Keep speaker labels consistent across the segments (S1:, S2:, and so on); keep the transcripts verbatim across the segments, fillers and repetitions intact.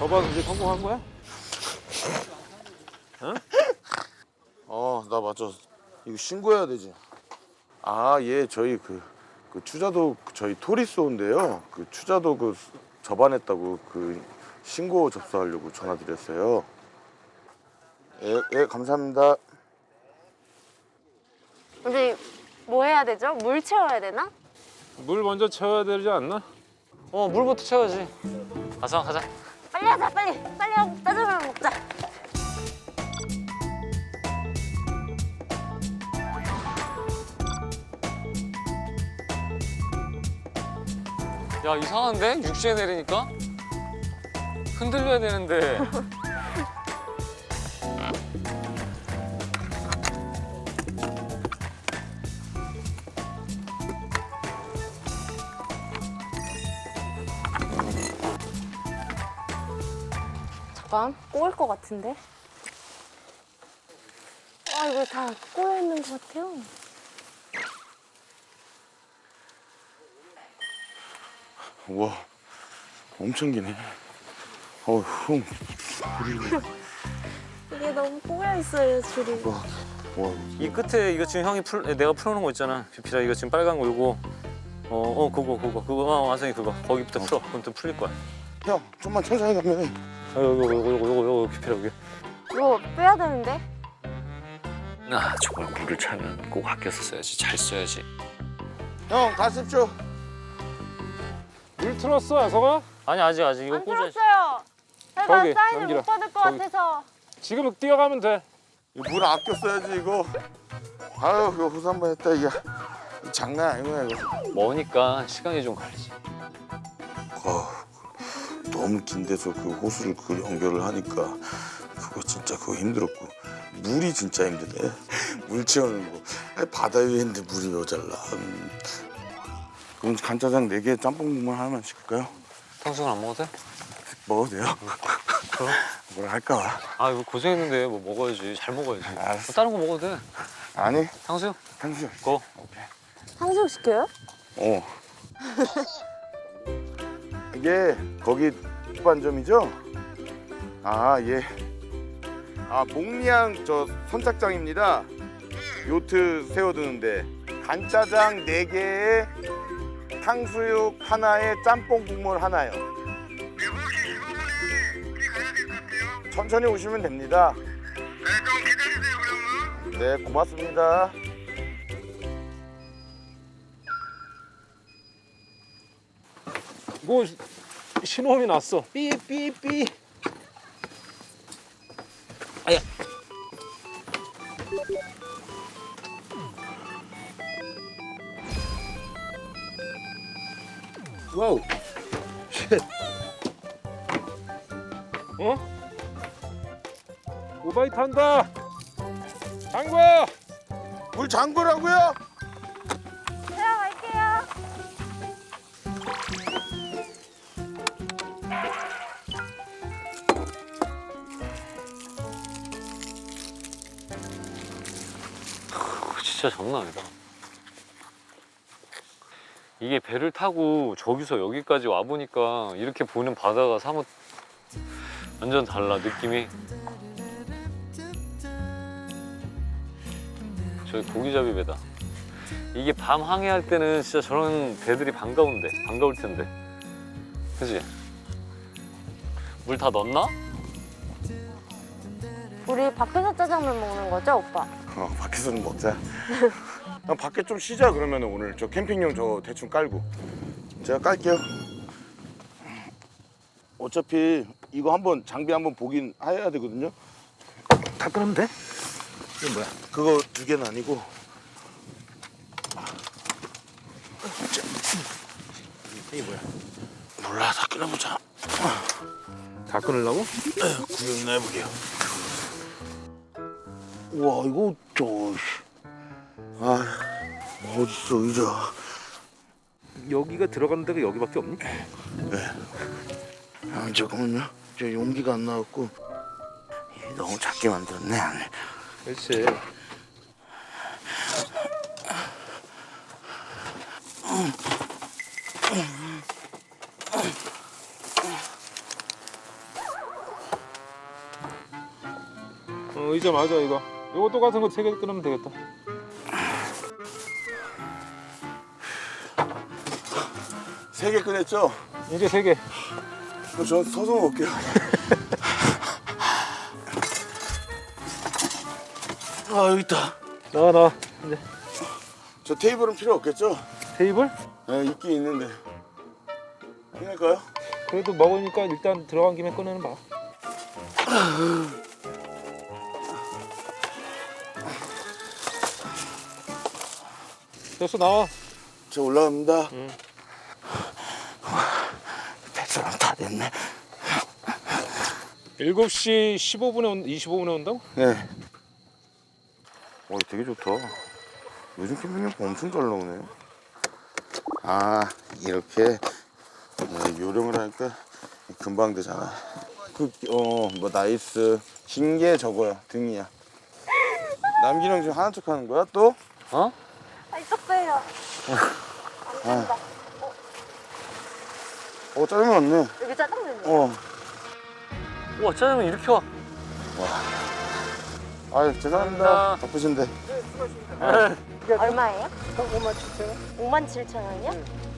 S1: 저번 이제 성공한 거야? 응?
S2: 어, 나 맞아. 이거 신고해야 되지. 아, 예, 저희 그, 그 추자도 저희 토리쏘인데요. 그 추자도 그 접안했다고 그 신고 접수하려고 전화드렸어요. 예, 예, 감사합니다.
S3: 우리 뭐 해야 되죠? 물 채워야 되나?
S1: 물 먼저 채워야 되지 않나?
S4: 어, 물부터 채워야지. 가자, 가자.
S3: 빨리 하자 빨리 빨리 하고 짜장면 먹자.
S4: 야, 이상한데? 육 시에 내리니까? 흔들려야 되는데.
S3: 잠깐 꼬일 것 같은데? 아 이거 다 꼬여 있는 것 같아요.
S2: 우와, 엄청 기네. 어우, 형.
S3: 이게 너무 꼬여 있어요 줄이.
S2: 와, 와.
S4: 이 끝에 이거 지금 형이 풀, 내가 풀어놓은 거 있잖아. 비피라 이거 지금 빨간 거 이거. 어, 어, 그거, 그거, 그거. 어, 완성이 그거. 거기부터 풀어. 그럼 또 풀릴 거야.
S2: 형, 좀만 천천히 가면.
S4: 어, 요거, 요거, 요거, 요거, 요거, 비피라 여기.
S3: 이거 빼야 되는데?
S4: 아, 정말 물을 차면 꼭 아껴서 써야지. 잘 써야지.
S2: 형, 가십시오.
S1: 물 틀었어, 아서가?
S4: 아니, 아직, 아직. 이거
S3: 안
S4: 꽂아야지.
S3: 들었어요. 제가
S1: 저기,
S3: 사인을
S1: 넘기라.
S3: 못 받을 것
S1: 저기.
S3: 같아서.
S1: 지금 뛰어가면 돼.
S2: 물 아껴 써야지, 이거. 아유, 이거 호수 한번 했다, 이게. 장난 아니구나, 이거.
S4: 머니까 시간이 좀 걸리지.
S2: 어, 너무 긴 데서 그 호수를 그 연결을 하니까 그거 진짜 그거 힘들었고 물이 진짜 힘드네. 물 채우는 거. 아니, 바다 위에 있는데 물이 모자라. 음. 그럼 간짜장 네 개 짬뽕 국물 하나만 시킬까요?
S4: 탕수육 안 먹어도 돼?
S2: 먹어도 돼요?
S4: 그럼.
S2: 뭐라 할까 봐.
S4: 아, 이거 고생했는데 뭐 먹어야지. 잘 먹어야지.
S2: 알았어.
S4: 다른 거 먹어도 돼.
S2: 아니,
S4: 탕수육?
S2: 탕수육.
S4: 고.
S3: 탕수육 시켜요?
S2: 어. 이게 거기 국반점이죠? 아, 예. 아, 목리항 저 선착장입니다. 요트 세워두는데 간짜장 네 개에 탕수육 하나에 짬뽕 국물 하나요. 천천히 오시면 됩니다. 네, 좀 기다리세요, 그러면. 네, 고맙습니다.
S1: 뭐 신호음이 났어. 삐삐삐. 아야. 와우. 쉣. 어? 오바이 탄다. 장과.
S2: 물 잠그라고요?
S3: 들어갈게요.
S4: 진짜 장난 아니다. 이게 배를 타고 저기서 여기까지 와보니까 이렇게 보는 바다가 사뭇 완전 달라, 느낌이. 저기 고기잡이 배다. 이게 밤 항해할 때는 진짜 저런 배들이 반가운데, 반가울 텐데. 그치? 물 다 넣었나?
S3: 우리 밖에서 짜장면 먹는 거죠 오빠?
S2: 어, 밖에서는 먹자. 난 밖에 좀 쉬자 그러면 오늘 저 캠핑용 저 대충 깔고 제가 깔게요. 어차피 이거 한번 장비 한번 보긴 해야 되거든요.
S1: 다 끄면 돼? 이게 뭐야?
S2: 그거 두 개는 아니고
S1: 이게 뭐야?
S2: 몰라, 다 끊어보자.
S1: 다 끊으려고?
S2: 구경이나 해보게요. 우와, 이거 저 아, 어딨어 의자.
S1: 여기가 들어가는 데가 여기밖에 없니?
S2: 아, 잠깐만요. 저 용기가 안 나왔고 이게 너무 작게 만들었네. 안에.
S1: 그렇지. 의자 맞아 이거. 이거 똑같은 거 세 개 끊으면 되겠다.
S2: 세 개 꺼냈죠?
S1: 이제 세 개.
S2: 그럼 저 서서 먹을게요. 아 여기 있다.
S1: 나와 나와. 이제
S2: 저 테이블은 필요 없겠죠?
S1: 테이블?
S2: 네, 있긴 있는데. 꺼낼까요?
S1: 그래도 먹으니까 일단 들어간 김에 꺼내는 봐. 됐어 나와.
S2: 저 올라갑니다.
S1: 응.
S2: 백사람 다 됐네.
S1: 일곱 시 십오 분에 온, 이십오 분에 온다고?
S2: 네. 와, 되게 좋다. 요즘 캠핑용품 엄청 잘 나오네. 아, 이렇게 네, 요령을 하니까 금방 되잖아. 그, 어, 뭐 나이스. 긴 게 저거야, 등이야. 남긴 형 지금 하는 척 하는 거야, 또?
S4: 어?
S3: 아, 이쪽 빼요.
S2: 아. 어, 짜증 났네.
S3: 여기 짜장면이요.
S2: 어.
S4: 우와 짜장면 이렇게 와.
S2: 아유, 죄송합니다.
S4: 감사합니다.
S2: 바쁘신데.
S3: 얼마예요? 오만 칠천 원. 오만 칠천 원이요?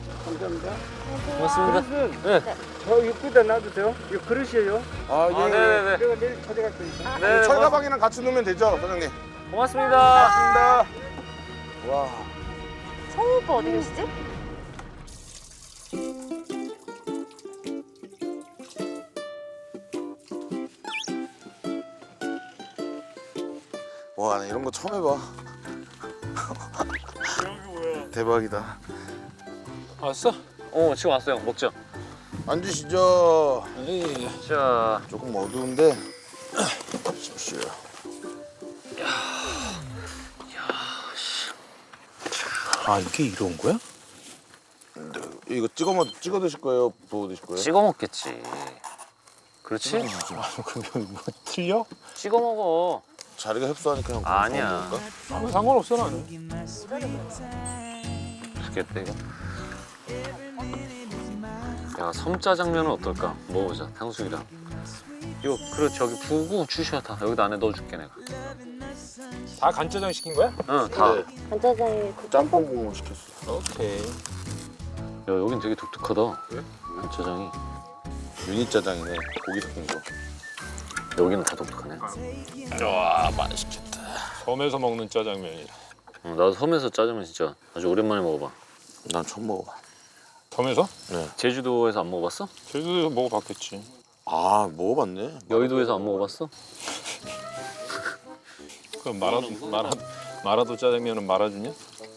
S4: 고맙습니다. 네.
S5: 저 입구다 놔두세요. 이거 그릇이에요.
S2: 아, 예.
S4: 아, 네네네.
S5: 내가 내일 찾아갈 테니까.
S4: 네,
S2: 철가방이랑 같이 놓으면 되죠, 사장님?
S4: 고맙습니다.
S2: 고맙습니다. 와.
S3: 성우 오빠 어디 계시지?
S2: 와, 나 이런 거 처음 해봐. 대박이다.
S1: 왔어?
S4: 어 지금 왔어요. 먹자.
S2: 앉으시죠.
S1: 에이.
S4: 자.
S2: 조금 어두운데. 십시오.
S1: 아 이게 이런 거야?
S2: 이거 찍어 먹 찍어 드실 거예요? 부어 드실 거예요?
S4: 찍어 먹겠지. 그렇지?
S1: 근데 뭐 틀려?
S4: 찍어 먹어.
S2: 자리가 협소하니까 형.
S4: 아니야.
S1: 아무 상관없어 나는.
S4: 죽겠다 이거. 야 섬짜장면은 어떨까? 먹어보자. 탕수육이랑. 이거 그래 저기 부고 주셔 다. 여기다 안에 넣어줄게 내가.
S1: 다 간짜장 시킨 거야?
S4: 응 다.
S2: 네.
S3: 간짜장이 그
S2: 짬뽕 국물 시켰어.
S1: 오케이.
S4: 야 여긴 되게 독특하다.
S1: 왜?
S4: 간짜장이.
S2: 유니 짜장이네. 고기 섞인 거.
S4: 여기는 다 독특하네.
S1: 와 맛있겠다. 섬에서 먹는 짜장면이라.
S4: 어, 나도 섬에서 짜장면 진짜 아주 오랜만에 먹어봐.
S2: 난 처음 먹어봐.
S1: 섬에서?
S2: 네.
S4: 제주도에서 안 먹어봤어?
S1: 제주도에서 먹어봤겠지.
S2: 아, 먹어봤네.
S4: 여의도에서 안 먹어봤어?
S1: 그럼 마라도 마라 마라도 짜장면은 말아주냐?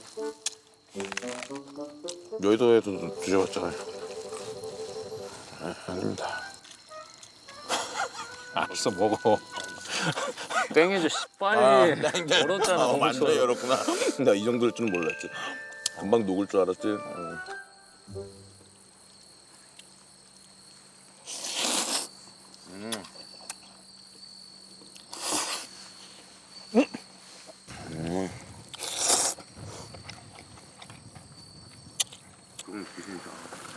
S2: 여의도에도 드셔봤잖아요. 네, 아닙니다.
S1: 알았어 먹어.
S4: 땡해줘 씨 빨리. 얼었잖아.
S2: 어,
S4: 너무
S2: 맞네,
S4: 추워.
S2: 열었구나. 나 이 정도일 줄은 몰랐지. 금방 녹을 줄 알았지. 응. 음. 음. 음, 기분이다.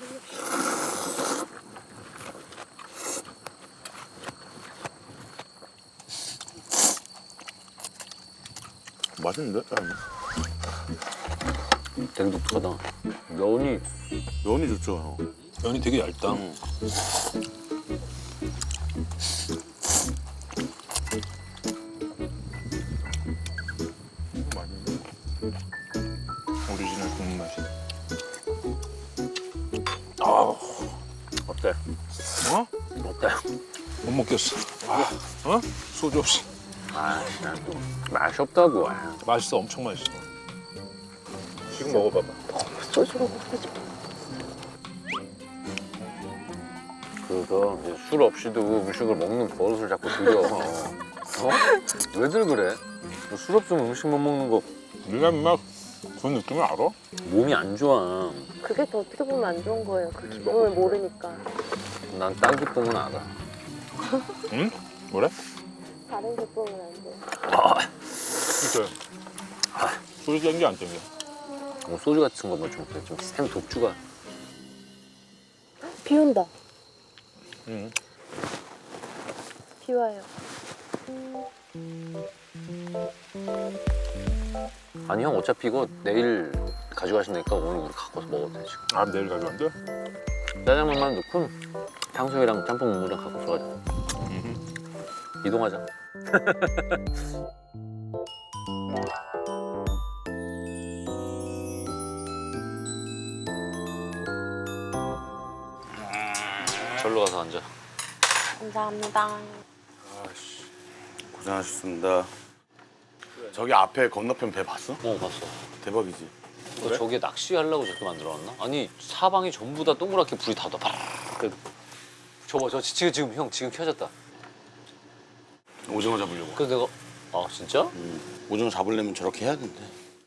S2: 맛있는데? 짜장면?
S4: 되게 독특하다. 면이
S2: 면이 좋죠, 형.
S1: 면이 되게 얇다.
S2: 음.
S1: 오리지널 국물 맛이.
S4: 어때?
S1: 어?
S4: 어때?
S1: 못 먹겠어. 아, 어? 소주 없이.
S4: 아, 난또 맛이 없다고. 아,
S1: 맛있어, 엄청 맛있어. 지금 먹어봐봐.
S3: 소주가 먹고 싶어.
S4: 그거 이제 술 없이도 음식을 먹는 버릇을 자꾸 들여. 어? 왜들 그래? 뭐술 없으면 음식 못 먹는 거
S1: 네가 막 그 느낌을 알아?
S4: 몸이 안 좋아.
S3: 그게 더 어떻게 보면 안 좋은 거예요. 그 기쁨을 모르니까.
S4: 난 딴 기쁨은 알아.
S1: 응? 뭐래?
S3: 다른 기쁨은 안 돼.
S1: 그래. 소주 땡겨 안 땡겨?
S4: 뭐 소주 같은 거뭐 좀 그래. 좀 센 독주가.
S3: 비 온다.
S1: 응.
S3: 비 와요.
S4: 아니 형 어차피 이거 내일 가져가신다니까 오늘 우리 갖고서 먹어도 돼 지금.
S1: 아 내일 가져간대?
S4: 짜장면만 넣고 탕수육이랑 짬뽕 국물이랑 갖고서 가자. 이동하자. 절로 가서 앉아.
S3: 감사합니다.
S2: 아씨 고생하셨습니다. 저기 앞에 건너편 배 봤어?
S4: 어 봤어.
S2: 대박이지.
S4: 너 저기에 낚시하려고 저렇게 만들어놨나? 아니 사방이 전부 다 동그랗게 불이 다 더. 저거 저 지금 지금 형 지금 켜졌다.
S2: 오징어 잡으려고.
S4: 그래서 내가 아 진짜?
S2: 음, 오징어 잡으려면 저렇게 해야 된대.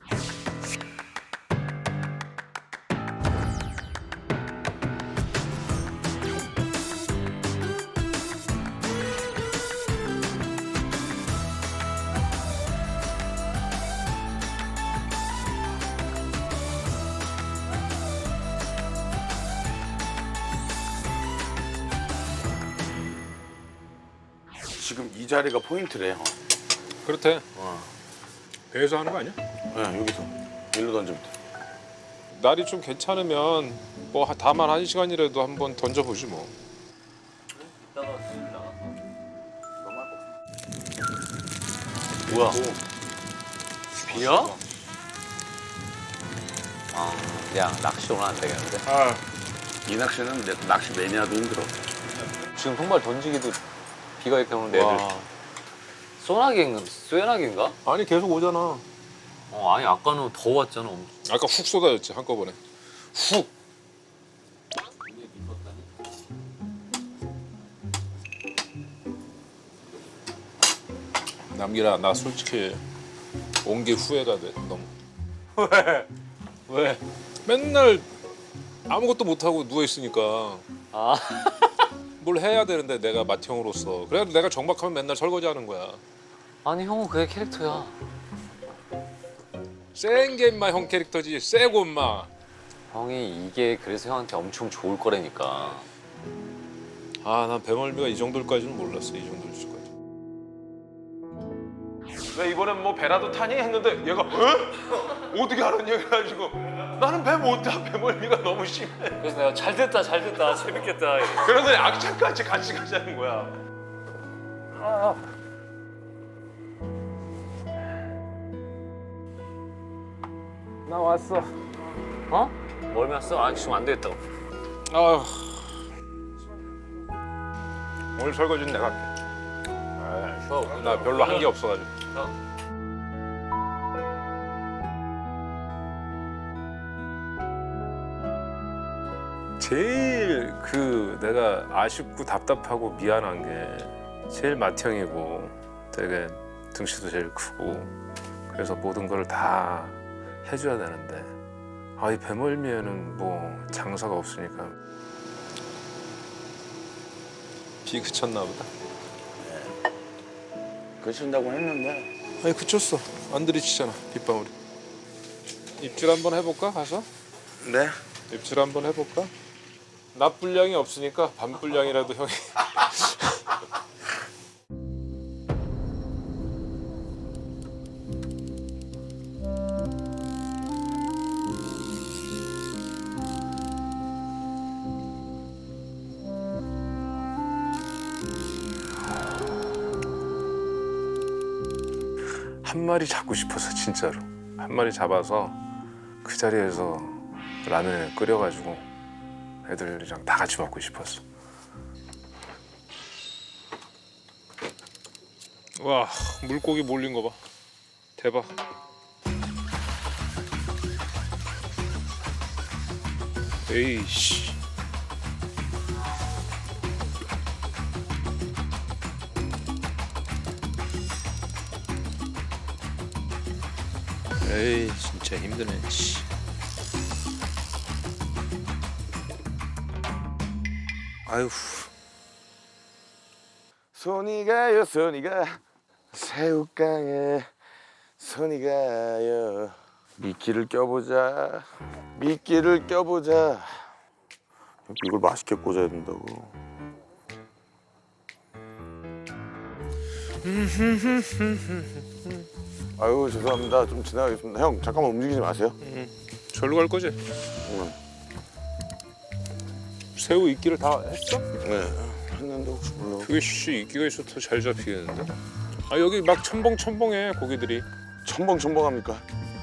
S2: 지금 이 자리가 포인트래. 어.
S1: 그렇대.
S2: 어.
S1: 배에서 하는 거 아니야?
S2: 네, 여기서 일로 던지면 돼.
S1: 날이 좀 괜찮으면 뭐 다만 한 시간이라도 한번 던져보지 뭐.
S4: 뭐야? 비야? 아, 야 낚시 오늘 안 되겠는데?
S2: 아, 이 낚시는 내, 낚시 매니아도 힘들어.
S4: 지금 정말 던지기도 비가 이렇게 오는데 애들
S1: 와.
S4: 소나기인가? 쇠나기인가?
S1: 아니 계속 오잖아.
S4: 어 아니 아까는 더 왔잖아. 엄청.
S1: 아까 훅 쏟아졌지 한꺼번에. 훅. 남기라 나 솔직히 온 게 후회가 돼 너무.
S4: 왜? 왜?
S1: 맨날 아무것도 못 하고 누워 있으니까
S4: 아
S1: 뭘 해야 되는데 내가 맏형으로서 그래도 내가 정박하면 맨날 설거지 하는 거야.
S4: 아니 형은 그게 캐릭터야.
S1: 센 게 인마 형 캐릭터지. 세고 인마.
S4: 형이 이게 그래서 형한테 엄청 좋을 거라니까.
S1: 아 난 배멀미가 이 정도일까지는 몰랐어. 이 정도일 수까지. 왜 이번엔 뭐 배라도 타니 했는데 얘가 어? 어떻게 하는 얘기를 해가지고 나는 배 못 타. 배멀미가 너무 심해.
S4: 그래서 내가 잘 됐다 잘 됐다 재밌겠다.
S1: 그래서 악착같이 같이 가자는 거야.
S5: 나 왔어.
S4: 어? 멀미 왔어? 아 지금 안 되겠다고.
S1: 아 오늘 설거지는 내가 할게. 아,
S4: 쉬어.
S1: 나 별로 한 게 없어가지고.
S4: 어?
S1: 제일 그 내가 아쉽고 답답하고 미안한 게 제일 맏형이고 되게 등치도 제일 크고 그래서 모든 걸 다 해줘야 되는데 아 이 배멀미에는 뭐 장사가 없으니까 비 그쳤나 보다.
S2: 그친다고 했는데.
S1: 아니 그쳤어. 안 들이치잖아 빗방울이. 입질 한번 해볼까 가서?
S2: 네.
S1: 입질 한번 해볼까? 낮 분량이 없으니까 밤 분량이라도 형이. 한 마리 잡고 싶어서 진짜로 한 마리 잡아서 그 자리에서 라면을 끓여가지고 애들이랑 다 같이 먹고 싶었어. 와 물고기 몰린 거 봐. 대박. 에이씨. 에이 진짜 힘드네. 씨. 아유.
S2: 손이 가요 손이 가 새우깡에 손이 가요. 미끼를 껴보자. 미끼를 껴보자. 이걸 맛있게 꽂아야 된다고. 아유 죄송합니다. 좀 지나가겠습니다. 형 잠깐만 움직이지 마세요.
S1: 절로 갈 거지?
S2: 응.
S1: 새우 이끼를 다 했어?
S2: 네. 했는데 혹시 몰라.
S1: 그게 씨 이끼가 있어 더 잘 잡히겠는데? 아 여기 막 첨벙첨벙해 고기들이.
S2: 첨벙첨벙합니까?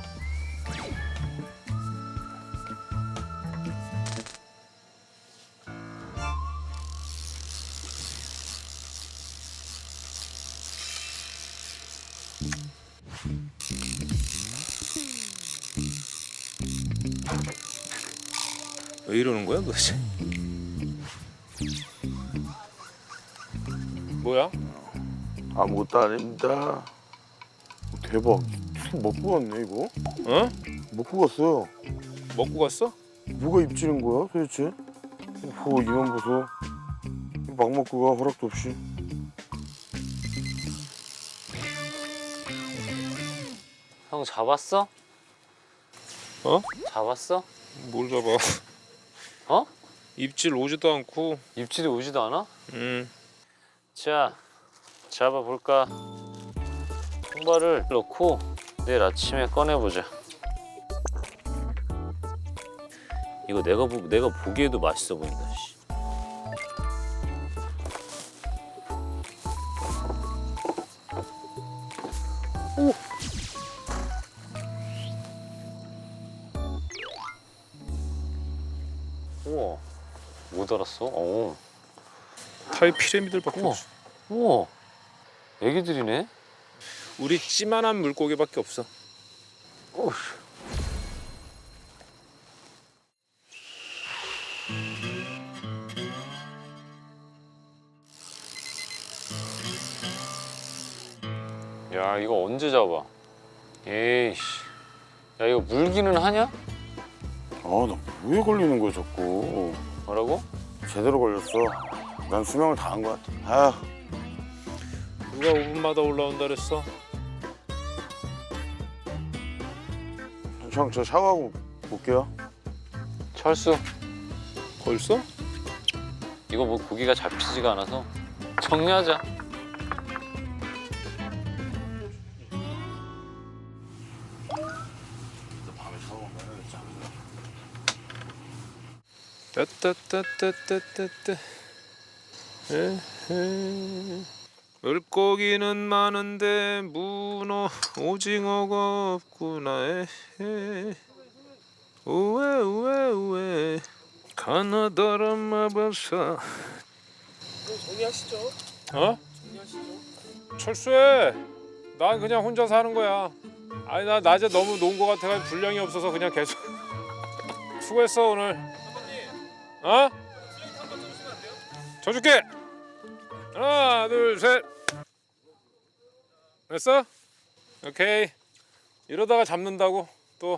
S1: 왜 이러는 거야 도대체? 뭐야?
S2: 아무것도 아닙니다. 대박. 먹고 갔네 이거.
S1: 어?
S2: 먹고 갔어요.
S1: 먹고 갔어?
S2: 뭐가 입질인 거야 도대체? 오 이만 보소. 막 먹고 가 허락도 없이.
S4: 형 잡았어?
S1: 어?
S4: 잡았어?
S1: 뭘 잡아?
S4: 어?
S1: 입질 오지도 않고.
S4: 입질이 오지도 않아?
S1: 음.
S4: 자, 잡아볼까? 통발을 넣고 내일 아침에 꺼내보자. 이거 내가 보, 내가 보기에도 맛있어 보인다. 씨. 오. 우와, 못 알았어? 어.
S1: 타이 피라미들밖에
S4: 우와.
S1: 없어.
S4: 우와, 애기들이네.
S1: 우리 찌만한 물고기밖에 없어.
S4: 어우. 야, 이거 언제 잡아? 에이씨. 야, 이거 물기는 하냐?
S2: 아나 뭐에 걸리는 거야 자꾸.
S4: 뭐라고?
S2: 제대로 걸렸어. 난 수명을 다한 것 같아. 아
S1: 누가 오 분마다 올라온다 그랬어?
S2: 형 저 샤워하고 올게요.
S4: 철수,
S1: 벌써?
S4: 이거 뭐 고기가 잡히지가 않아서 정리하자.
S2: 밤에 샤워
S1: 따따따따따따따. 에헤. 물고기는 많은데 문어 오징어가 없구나. 에헤. 우에 우에 우에 가나다란 마바사.
S5: 정리하시죠.
S1: 어?
S5: 정리하시죠.
S1: 철수해. 난 그냥 혼자 사는 거야. 아니 나 낮에 너무 논 거 같아가지고 분량이 없어서 그냥 계속. 수고했어 오늘. 어? 져줄게. 하나 둘 셋. 됐어? 오케이. 이러다가 잡는다고 또.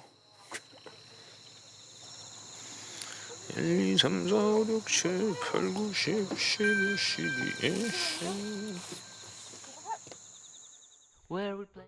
S1: 일, 이, 삼, 사, 오, 육, 칠, 팔, 구, 십, 십일, 십이, 이십.
S6: Where we play.